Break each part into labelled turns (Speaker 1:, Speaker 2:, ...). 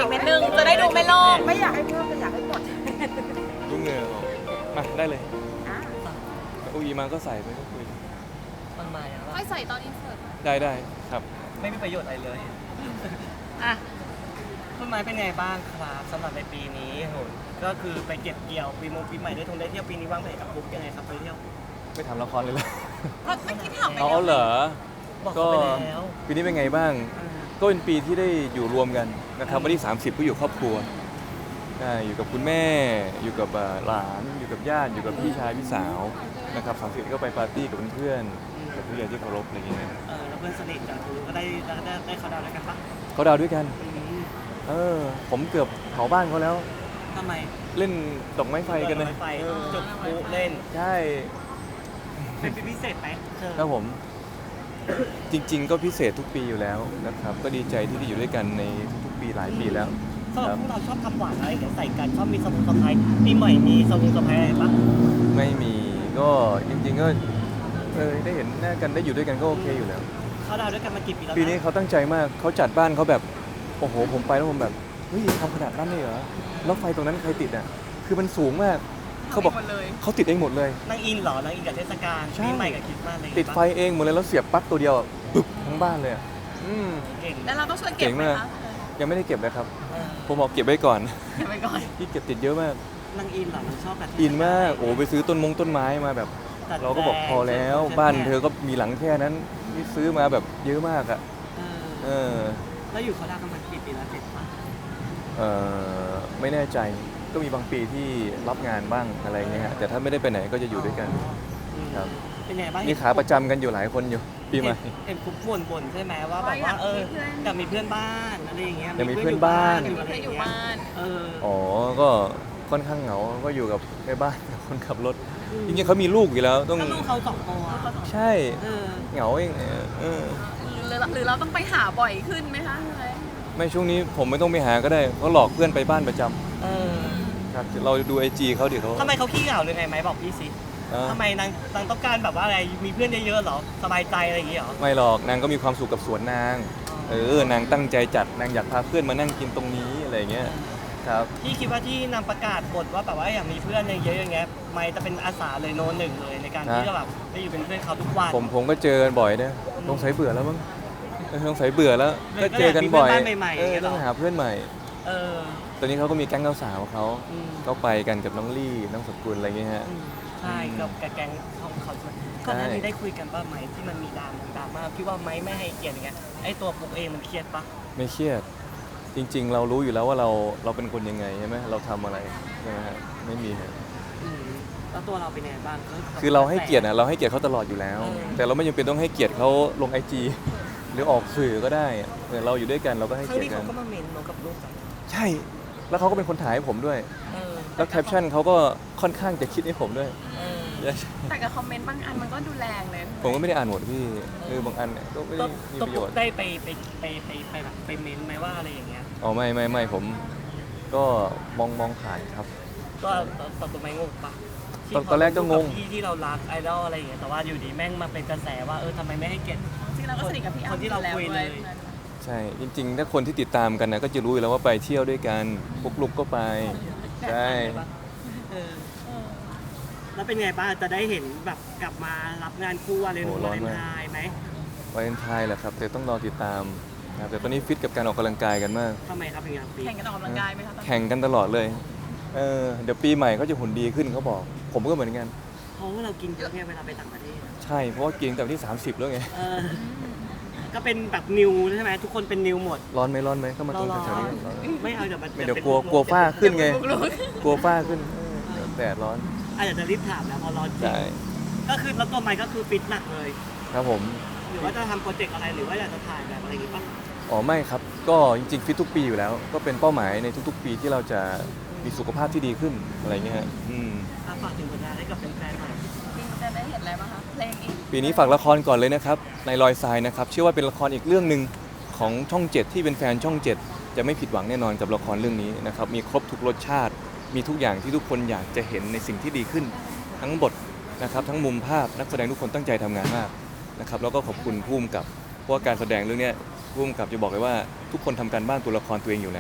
Speaker 1: เม็ดนึงจะได้ดูไม่โลก
Speaker 2: ไม่อยากให้เพิ่มแต่อยากให้หมด
Speaker 3: ยุ่งเหงื่อออกมาได้เลย
Speaker 2: อ่ะ
Speaker 3: อุยมาก็ใส่ไปก็คุย
Speaker 4: มันมาอย่างว่า
Speaker 1: ค่อยใส่ตอนอินเสิร์ต
Speaker 3: ได้ครับ
Speaker 4: ไม่มีประโยชน์อะไรเลย
Speaker 2: อ่ะ
Speaker 4: คุณไม้เป็นไงบ้างครับสำหรับในปีนี้โหก็คือไปเก็บเกี่ยวปีใหม่ได้ได้เที่ยวปีนี้วางแผนกับปุ๊กยังไงครับไปเที่ยว
Speaker 3: ไม่ทำละครเลยเหรอ
Speaker 1: ก็ไม่คิดถามไป
Speaker 3: อ๋อ
Speaker 1: แล้ว
Speaker 3: เหรอ
Speaker 4: บอก
Speaker 3: ก็
Speaker 4: เขาไปแล้ว
Speaker 3: ปีนี้เป็นไงบ้าง ก็เป็นปีที่ได้อยู่รวมกันนะครับวันที่ 30 ก็อยู่ครอบครัวได้อยู่กับคุณแม่ อยู่กับหลาน อยู่กับญาติ อยู่กับพี่ชายพี่สาวนะครับ30ก็ไปปาร์ตี้กับเพื่อนๆกับผู้ใหญ่ที่เคารพอะไรอย่างเงี้ย
Speaker 4: แล้วเพื่อนสนิทกับคุณก็ได้เขาดาวน์ด้วยกันปะ
Speaker 3: เขาดาวด้วยกัน ผมเกือบเผาบ้านเขาแล้ว
Speaker 4: ทำไม
Speaker 3: เล่นดอกไม้ไฟกันเลย
Speaker 4: ไฟจุดพลุเล่น
Speaker 3: ใช่
Speaker 4: เป็นปีพิเศษไหมเธอ
Speaker 3: ครับผม จริง ๆ ก็พิเศษทุกปีอยู่แล้วนะครับ ก็ดีใจที่ได้อยู่ด้วยกันในทุกๆปีหลายปีแล้ว
Speaker 4: สำหรับพวกเราชอบทำหวานอะไรอย่างเงี้ยใส่กันชอบมีสมุนไพรปีใหม่มีสมุนไพรอะไรปะ
Speaker 3: ไม่มีก็จริงๆก็ได้เห็นหน้ากันได้อยู่ด้วยกันก็โอเคอยู่แล้ว
Speaker 4: เขาดาวน์ด้วยกันมากี่ปีแล้ว
Speaker 3: ปีนี้เขาตั้งใจมากเขาจัดบ้านเขาแบบโอ้โหผมไปแล้วผมแบบเฮ้ยทำขนาดนั้นเลยเหรอแล้วไฟตรงนั้นใครติดอ่ะคือมันสูงมากเขาบอก
Speaker 1: หมดเลย
Speaker 3: เขาติดเองหมดเลย
Speaker 4: นางอินเหรอนางอินกับเทศกาล
Speaker 3: ใช่
Speaker 4: ปีใหม่กับคริสต์มาสอะไรอย่าง
Speaker 3: ติด
Speaker 4: เงี้ย
Speaker 3: ไฟเองหมดเลยแล้วเสียบปลั๊กตัวเดียวอะปึ๊บทั้งบ้านเลยอะอืม
Speaker 4: เก่ง
Speaker 1: แล้วเราต้องช่วยเก็บไหมคะ
Speaker 3: ยังไม่ได้เก็บเลยครับ
Speaker 4: เออ
Speaker 3: ผมบอกเก็บไว้ก่อน
Speaker 1: เก็บไว้ก่อน
Speaker 3: ที่เก็บติดเยอะมาก
Speaker 4: นางอินเหรอนางชอบแบบ
Speaker 3: อินมากโอ้ไปซื้อต้นไม้มาแบบ
Speaker 4: ตัด
Speaker 3: เราก็บอกพอแล้ว
Speaker 4: ต่ง
Speaker 3: บ้านเธอก็มีหลังแค่นั้นนี่ซื้อมาแบบเยอะมากอ่ะ
Speaker 4: เออ
Speaker 3: เออ
Speaker 4: แล้วอยู่เขาดาวน์กันมากี่ปีแล้วเจ็ดปะ
Speaker 3: เอไม่แน่ใจก็มีบางปีที่รับงานบ้างอะไรเงี้ยฮะแต่ถ้าไม่ได้ไปไหนก็จะอยู่ด้วยกัน
Speaker 4: อืม
Speaker 3: ครับ
Speaker 4: เป็นไงบ้าง
Speaker 3: นี่ขาประจำกันอยู่หลายคนอยู่ปีใหม่
Speaker 4: เห็นคุกบ่นใช่ไหมว่าแบบว่าอยากมีเพื่อนบ้านอะไรอย่างเงี้ย
Speaker 3: อยากมีเพื่อนบ้าน
Speaker 4: มี
Speaker 1: มี
Speaker 4: เพื่
Speaker 1: เพื่
Speaker 4: อ
Speaker 1: อน น
Speaker 4: อ
Speaker 1: อยู่ ยู่
Speaker 4: บ้า
Speaker 1: บ้าน น
Speaker 4: เออ
Speaker 3: อ๋อก็ค่อนข้างเหงาก็อยู่กับแม่บ้านกับคนขับรถจริงๆเขามีลูกอยู่แล้วต้อง
Speaker 4: ก็ลูกเขาสองตัว
Speaker 3: ใช่
Speaker 4: เออ
Speaker 3: เหงาเองเออ
Speaker 1: หรือเราต้องไปหาบ่อยขึ้นไหมคะ
Speaker 3: ไม่ช่วงนี้ผมไม่ต้องไปหาก็ได้เขาหลอกเพื่อนไปบ้านประจำ
Speaker 4: เออ
Speaker 3: ครับเราดูไอจีเขาเดี๋ยวเขา
Speaker 4: ทำไมเขาขี้เหงาหรือไงไหมบอกพี่สิ
Speaker 3: อ่า
Speaker 4: ทำไมนางต้องการแบบว่าอะไรมีเพื่อนเยอะๆเหรอสบายใจอะไรอย่างเงี้ยเหรอ
Speaker 3: ไม่หรอกนางก็มีความสุขกับสวนนางนางตั้งใจจัดนางอยากพาเพื่อนมานั่งกินตรงนี้อะไรอย่างเงี้ยครับ
Speaker 4: พี่คิดว่าที่นำประกาศบทว่าแบบว่าอยากมีเพื่อนเยอะๆอย่างเงี้ยไม่จะเป็นอาสาเลยโนหนึ่งเลยในการที่จะแบบได้อยู่เป็นเพื่อนเขาทุกวัน
Speaker 3: ผมก็เจอกันบ่อยนะสงสัยเบื่อแล้วมั้งสงสัยเบื่อแล้วก็เจอกันบ่อยต้องหาเพื่อนใหม่
Speaker 4: เออ
Speaker 3: ตอนนี้เขาก็มีแก๊งสาวๆเขา
Speaker 4: อืม
Speaker 3: ก็ไปกันกับน้องลี่น้องสกุลอะไรเงี้ยฮะ
Speaker 4: ใช่กับแกงของเขาด้วยก่อนหน้านี้ได้คุยกันป่ะไหมที่มันมีดราม่าพี่ว่าไหมไม่ให้เกียรติอย่างเงี้ยไอ้ตัวปุ๊กเองมันเครียดป่ะ
Speaker 3: ไม่เครียดจริง ๆ เรารู้อยู่แล้วว่าเราเป็นคนยังไงใช่ไหมเราทำอะไรใช่ไหมฮะไม่มีฮะ
Speaker 4: อืมแล้วตัวเราเป็นยังไงบ้าง
Speaker 3: คือเราให้เกียรตินะเราให้เกียรติเขาตลอดอยู่แล้ว
Speaker 4: เออ
Speaker 3: แต่เราไม่จำเป็นต้องให้เกียรติเขาลงไอจีหรือออกสื่อก็ได้เราอยู่ด้วยกันเราก็ให้
Speaker 4: ครั้ง
Speaker 3: เกียร
Speaker 4: นี้
Speaker 3: ติกั
Speaker 4: เขา
Speaker 3: น
Speaker 4: ก็มาเมนเรากับลูกกัน
Speaker 3: ใช่ แล้วเขาก็เป็นคนถ่ายให้ผมด้วย
Speaker 4: เออ
Speaker 3: แล้วแคปชั่นเขาก็ค่อนข้างจะคิดให้ผมด้วย
Speaker 4: เออ
Speaker 1: แต่กับคอมเมนต์บางอันมันก็ดูแรงเลย
Speaker 3: ผมก็ไม่ได้อ่านหมดพี่บางอันเนี่ยก็ไม่ได้มี
Speaker 4: ตัว
Speaker 3: ประโย
Speaker 4: ปุ๊
Speaker 3: ช
Speaker 4: ก
Speaker 3: น์
Speaker 4: ได้ไปแบบไปเมนไหมว่าอะไรอย่างเงี้ย
Speaker 3: อ๋อไม่ผมก็มองผ่านครับ
Speaker 4: ก็ตัวไม่งงปะ
Speaker 3: ตอนแรกก็งง
Speaker 4: ที่ที่เรารักไอดอลอะไรอย่างเงี้ยแต่ว่าอยู่ดีแม่งมาเป็นกระแสว่าทำไมไม่ให้เกียรติ
Speaker 1: จริงๆเราก็สนิทกับพี่อ้ำ
Speaker 4: คนที่เราคุยเลย
Speaker 3: ใช่จริงๆ ถ้าคนที่ติดตามกันนะก็จะรู้อยู่แล้วว่าไปเที่ยวด้วยกันปุ๊กลุกก็ไปใช่
Speaker 4: เออแล้วเป็นไงบ้างจะได้เห็นแบบกลับมารับงานคู่วาเลนไทน์ไหม
Speaker 3: วาเลนไทน์แหละครับแต่ต้องรอติดตามนะครับแต่ตอนนี้ฟิตกับการออกกำลังกายกันมาก
Speaker 4: ทำไมครับเป็นไงปี
Speaker 1: แข่งกันออกกำลังกายไหมคะตอนนี้
Speaker 3: แข่งกันตลอดเลยเดี๋ยวปีใหม่เขาจะหุ่นดีขึ้นเขาบอก ผมก็เหมือนกัน
Speaker 4: เพราะว่าเรากินเยอะไงเวลาไปต่างประเทศ
Speaker 3: ใช่เพราะว่ากินแต่วันที่ 30 แล้วไง
Speaker 4: เออก็เป็นแบบนิวใช่ไหมทุกคนเป็นนิวหมด
Speaker 3: ร้อนไหมเข้ามาตรงแถวๆนี้ก่อนร้อน
Speaker 4: ไม่เอาเดี๋ยวมัน
Speaker 3: ไม่เดี๋ยวกลัวฝ้าขึ้นไง
Speaker 1: ลุก
Speaker 3: กลัวฝ้าขึ้นเดี๋ยวแดดร้อน
Speaker 4: อาจจะรีบถามแล้วพอร้อนจริง
Speaker 3: ใช่
Speaker 4: ก็คือแล้วตัวไมค์ก็คือฟิตหนักเลย
Speaker 3: ครับผม
Speaker 4: หรือว่าจะทำโปรเจกต์อะไรหรือว่าอยากจะถ่ายแบบอะไรอย่างงี้ป่ะ
Speaker 3: อ๋อไม่ครับก็จริงๆฟิตทุกปีอยู่แล้ว ก็เป็นเป้าหมายในทุกๆ ปีที่เราจะมีสุขภาพที่ดีขึ้นอะไรเงี้ยฮะ
Speaker 4: ฝากถึงผลงานให้กับแฟนๆหน่อย
Speaker 1: ๆจริงจะได้เห็นอะไรบ้างคะเพลงอีก
Speaker 3: ปีนี้ฝากละครก่อนเลยนะครับในรอยทรายนะครับเชื่อว่าเป็นละครอีกเรื่องหนึ่งของช่อง 7 ที่เป็นแฟนช่อง 7 จะไม่ผิดหวังแน่นอนกับละครเรื่องนี้นะครับมีครบทุกรสชาติ มีทุกอย่างที่ทุกคนอยากจะเห็นในสิ่งที่ดีขึ้น ทั้งบทนะครับทั้งมุมภาพนักแสดงทุกคนตั้งใจทำงานมากนะครับแล้วก็ขอบคุณผู้กำกับเพราะว่าการแสดงเรื่องนี้ผู้กำกับจะบอกเลยว่าทุกคนทำการบ้านตัวละครตัวเองอยู่แล้ว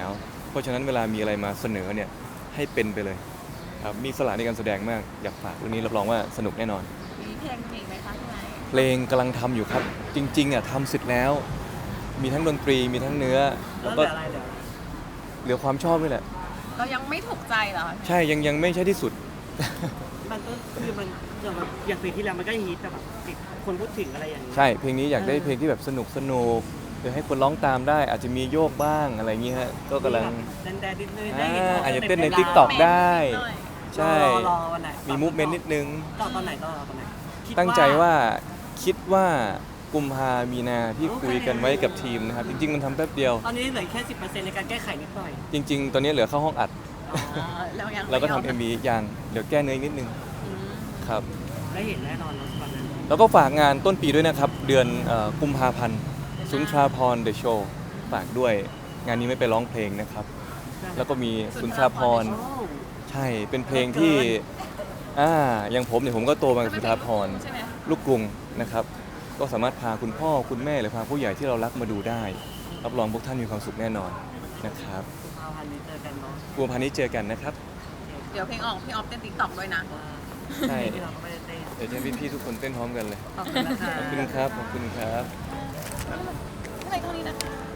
Speaker 3: เพราะฉะนั้นเวลามีอะไรมาเสนอเนี่ยให้เป็นไปเลยครับมีสละในการแสดงมากอยากฝากเรื่องนี้รับรองว่าสนุกแน่นอน
Speaker 1: มีเพลงอีกไหมคะพี่ไม้
Speaker 3: เพลงกำลังทำอยู่ครับ จริงๆอ่ะทำเสร็จแล้ว มีทั้งดนตรีมีทั้งเนื้อ
Speaker 4: แล้
Speaker 3: แล้ว ว
Speaker 4: เห
Speaker 3: ก็
Speaker 4: ลืออะไรเหลืออะไร
Speaker 3: เหลือความชอบนี่แหละ
Speaker 1: เรายังไม่ถูกใจเหรอคะ
Speaker 3: ใช่ยังไม่ใช่ที่สุด
Speaker 4: มันก็คือมันอย่างเพลงที่แล้วมันก็ฮิตแต่แบบติดคนพูดถึงอะไรอย่างนี้
Speaker 3: ใช่เพลงนี้อยากได้เพลงที่แบบสนุกเดี๋ยวให้คนร้องตามได้ อาจจะมีโยกบ้างอะไรอย่างเงี้ยฮะก็กำลัง
Speaker 4: แดนๆนิดนึงได้เห็น
Speaker 3: อาจจะเต้นใน
Speaker 4: วลา
Speaker 3: TikTok ได้
Speaker 1: หน่อย
Speaker 3: ใช่
Speaker 4: รอวันไหน
Speaker 3: มีมูฟเมนต์นิดนึง
Speaker 4: ต่อตอนไหนคิด
Speaker 3: ตั้งใจว่าคิดว่ากุมภามีนาที่คุยกันไว้กับทีมนะครับ จริง ๆ มันทำแป๊บเดียว
Speaker 4: ตอนนี้เหลือแค่ 10%ในการแก้ไขนิดหน่อย
Speaker 3: จริง ๆ ตอนนี้เหลือเข้าห้องอัด
Speaker 1: อ๋อแล้วยัง
Speaker 3: แล้วก็
Speaker 1: ไม่ยอม
Speaker 3: ทำ MV อย่างเดี๋ยวแก้เนื้ออีกนิดนึง
Speaker 1: อืม
Speaker 3: ครับ
Speaker 4: ได้เห็นแน่นอนแล้วตอนนั้น
Speaker 3: แล้วก็ฝากงานต้นปีด้วยนะครับ เดือนกุมภาพันธ์สุนทราพรเดอะโชว์ฝากด้วยงานนี้ไม่ไปร้องเพลงนะครับ แล้วก็มีสุนทราพร
Speaker 4: โอ้
Speaker 3: ใช่เป็นเพลงที่อย่างผมเนี่ยผมก็โตมากับสุนทราพร
Speaker 1: ใช่ไหม
Speaker 3: ลูกกรุงนะครับ ก็สามารถพาคุณพ่อคุณแม่หรือพาผู้ใหญ่ที่เรารักมาดูได้ รับรองพวกท่านมีความสุขแน่นอนนะครับ
Speaker 4: กุมภาพันธ์นี้เจอกันเนาะ
Speaker 3: กุมภาพันธ์นี้เจอกันนะครับ
Speaker 1: เดี๋ยวเพลงออกพี่ออฟเต้นติ๊กต็อกด้วยนะ
Speaker 3: ใช่
Speaker 4: ที่เราก็ไม่ได้เต้น
Speaker 3: เดี๋ยวจะให้พี่ๆทุกคนเต้นพร้อมกันเลย
Speaker 4: ขอบคุณนะคะ
Speaker 3: ขอบคุณครับขอบคุณครับ
Speaker 1: อะไรตรงนี้นะคะ